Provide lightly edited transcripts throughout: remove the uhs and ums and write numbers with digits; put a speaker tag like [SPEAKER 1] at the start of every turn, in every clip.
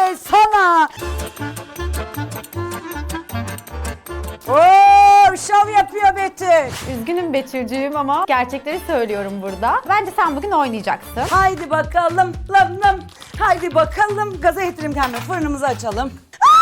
[SPEAKER 1] Helal sana. Oo, şov yapıyor Betül.
[SPEAKER 2] Üzgünüm Betülcüğüm ama gerçekleri söylüyorum burada. Bence sen bugün oynayacaksın.
[SPEAKER 1] Haydi bakalım. Haydi bakalım. Gaza getirelim kendimi. Fırınımızı açalım.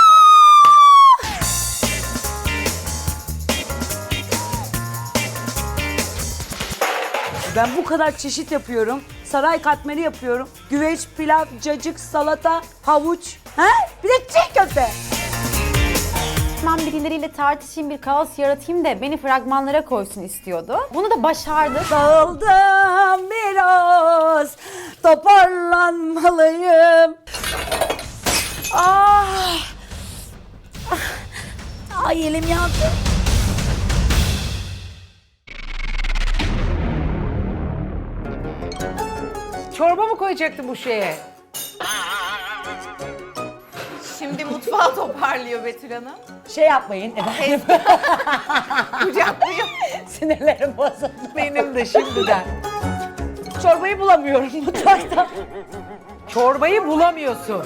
[SPEAKER 1] Ben bu kadar çeşit yapıyorum. Saray katmeri yapıyorum. Güveç, pilav, cacık, salata, havuç. He? Bir de çiğ köfte.
[SPEAKER 2] Ben birileriyle tartışayım, bir kaos yaratayım da beni fragmanlara koysun istiyordu. Bunu da başardı.
[SPEAKER 1] Dağıldım biraz. Toparlanmalıyım. Ah! Ay elim yandı.
[SPEAKER 3] Çorba mı koyacaktın bu şeye?
[SPEAKER 4] Şimdi mutfağı toparlıyor Betül Hanım.
[SPEAKER 1] Şey yapmayın efendim.
[SPEAKER 4] Kucaklıyor.
[SPEAKER 1] Sinirlerim bozuldu.
[SPEAKER 3] Benim de şimdiden.
[SPEAKER 1] Çorbayı bulamıyorum mutfakta.
[SPEAKER 3] Çorbayı bulamıyorsun.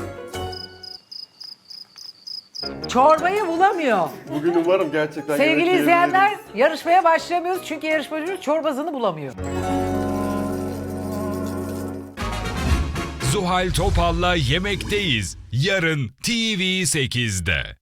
[SPEAKER 3] Çorbayı bulamıyor.
[SPEAKER 5] Bugün umarım gerçekten
[SPEAKER 3] Sevgili
[SPEAKER 5] yemek
[SPEAKER 3] izleyenler,
[SPEAKER 5] yiyebiliriz.
[SPEAKER 3] yarışmaya başlayamıyoruz çünkü yarışmacımız çorbasını bulamıyor.
[SPEAKER 6] Zuhal Topal'la Yemekteyiz. Yarın TV8'de.